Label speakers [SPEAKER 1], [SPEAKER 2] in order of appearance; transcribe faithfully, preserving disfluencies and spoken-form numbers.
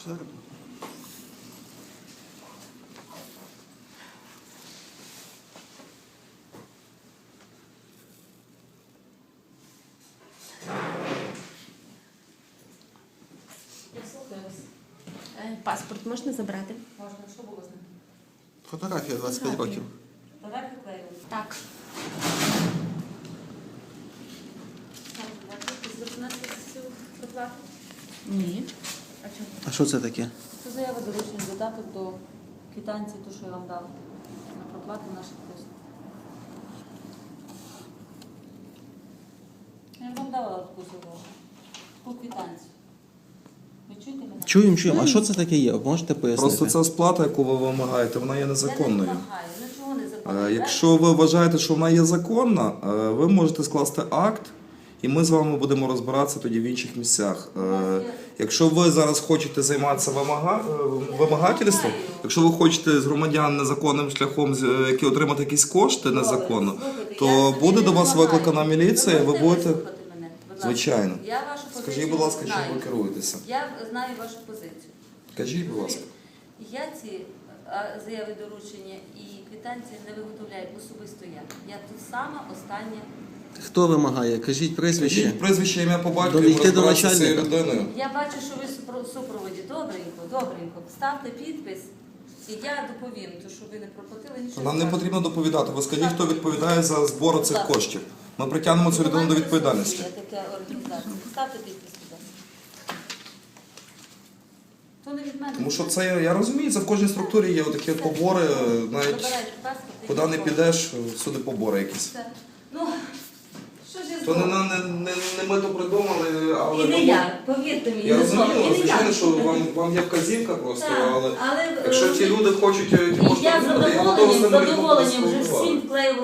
[SPEAKER 1] Гарно.
[SPEAKER 2] Я слухаю вас.
[SPEAKER 3] Е, Паспорт можна забрати?
[SPEAKER 2] Можна, що було з ним?
[SPEAKER 1] Фотографія двадцять п'ять років.
[SPEAKER 2] Давай приклеюємо.
[SPEAKER 3] Так.
[SPEAKER 2] Звертатися цю проплату?
[SPEAKER 3] Ні.
[SPEAKER 2] А чому?
[SPEAKER 1] А що це таке?
[SPEAKER 2] Це заява доручення, додаток до квитанції, ту, що я вам дала. На проплату наших послуг. Я вам давала таку заяву. Таку квитанцію. Ви чуєте мене?
[SPEAKER 1] Чуємо, чуємо. А що це таке є? Можете пояснити?
[SPEAKER 4] Просто ця сплата, яку ви вимагаєте, вона є
[SPEAKER 2] Я не
[SPEAKER 4] незаконною.
[SPEAKER 2] вимагаю. Ну чого не законно?
[SPEAKER 4] Е, Якщо ви вважаєте, що вона є законна, е, ви можете скласти акт, і ми з вами будемо розбиратися тоді в інших місцях. Е, Якщо ви зараз хочете займатися вимага... е, вимагательством, якщо ви хочете з громадян незаконним шляхом з- е, які отримати якісь кошти незаконно,
[SPEAKER 2] Слухайте,
[SPEAKER 4] то
[SPEAKER 2] я собі
[SPEAKER 4] буде
[SPEAKER 2] не
[SPEAKER 4] до вас
[SPEAKER 2] вимагаю.
[SPEAKER 4] викликана міліція, і ви
[SPEAKER 2] можете
[SPEAKER 4] будете.
[SPEAKER 2] вислухати мене, будь ласка?
[SPEAKER 4] Звичайно.
[SPEAKER 2] Я вашу позицію
[SPEAKER 4] Скажіть, будь ласка, чим
[SPEAKER 2] знаю.
[SPEAKER 4] ви керуєтеся?
[SPEAKER 2] Я знаю вашу позицію.
[SPEAKER 4] Кажіть, будь ласка.
[SPEAKER 2] Я ці а, заяви доручення і квитанції не виготовляю особисто я. Я тут сама остання.
[SPEAKER 1] Хто вимагає? Кажіть прізвище.
[SPEAKER 4] Кажіть прізвище, ім'я по батькові,
[SPEAKER 1] Дійти
[SPEAKER 4] ми
[SPEAKER 1] до
[SPEAKER 4] розбиратися з цією
[SPEAKER 1] начальника.
[SPEAKER 4] людиною.
[SPEAKER 2] Я бачу, що ви супро- в супроводі. Добренько, добренько. Ставте підпис, і я доповім, то що ви не проплатили нічого.
[SPEAKER 4] Нам не
[SPEAKER 2] страшного.
[SPEAKER 4] потрібно доповідати. Ви скажіть, хто відповідає за збор цих
[SPEAKER 2] Так.
[SPEAKER 4] коштів. Ми притягнемо цю людину до відповідальності.
[SPEAKER 2] Є така організація. Ставте підпис, будь ласка. То не від мене.
[SPEAKER 4] Тому що це, я розумію, це в кожній структурі є такі побори, навіть
[SPEAKER 2] Забирайте паспорт.
[SPEAKER 4] куди не підеш, всюди побори якісь.
[SPEAKER 2] Все. Ну, що ж я
[SPEAKER 4] То не,
[SPEAKER 2] зроблю?
[SPEAKER 4] не, не, не ми то придумали, але...
[SPEAKER 2] І не я, повірте мені.
[SPEAKER 4] Я
[SPEAKER 2] не
[SPEAKER 4] розумію,
[SPEAKER 2] зроблю. І не
[SPEAKER 4] звичайно,
[SPEAKER 2] я.
[SPEAKER 4] що вам, вам є вказівка просто,
[SPEAKER 2] Так,
[SPEAKER 4] але
[SPEAKER 2] але,
[SPEAKER 4] якщо
[SPEAKER 2] е,
[SPEAKER 4] ті люди хочуть, які
[SPEAKER 2] І
[SPEAKER 4] можуть
[SPEAKER 2] я з
[SPEAKER 4] отримати, я готовий з
[SPEAKER 2] задоволенням, з
[SPEAKER 4] ними
[SPEAKER 2] задоволенням вже
[SPEAKER 4] спілкуватися.
[SPEAKER 2] всім вклеювала.